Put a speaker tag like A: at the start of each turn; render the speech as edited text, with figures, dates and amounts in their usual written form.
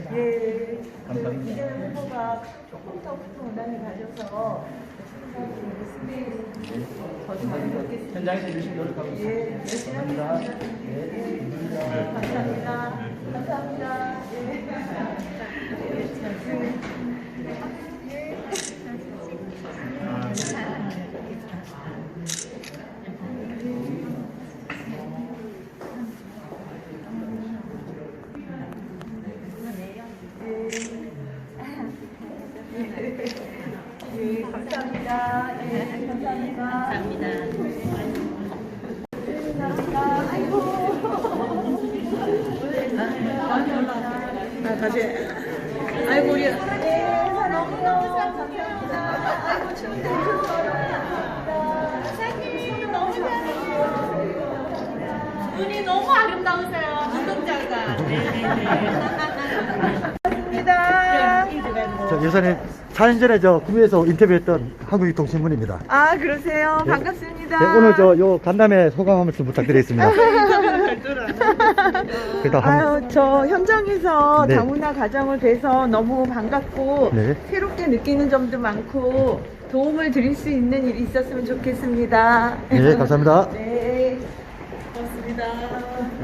A: 예.
B: 감사합니다.
A: 이재명 후보가 조금 더 큰 원한을 가져서 저도 많이 받겠습니다.
B: 현장에서 열심히 노력하고 있습니다.
A: 예, 열심히 하겠습니다. 예. 감사합니다. 감사합니다. 예, 감사합니다. 예, 감사합니다. 감사합니다. 아이고.
C: 다시. 아이고, 우리.
A: 예, 너무너무 감사합니다. 아이고, 춤도
D: 사장님 너무 잘하세요. 눈이 너무 아름다우세요. 눈동자가.
A: 감사합니다.
E: 저 여사님 4년 전에 저 구미에서 인터뷰했던 한국유통신문입니다.
A: 아, 그러세요? 반갑습니다.
E: 네, 오늘 저 요 간담회 소감 한 말씀 부탁드리겠습니다. 그래도
A: 아유, 저 현장에서
E: 네.
A: 다문화 가정을 뵈서 너무 반갑고
E: 네.
A: 새롭게 느끼는 점도 많고 도움을 드릴 수 있는 일이 있었으면 좋겠습니다.
E: 네, 감사합니다.
A: 네.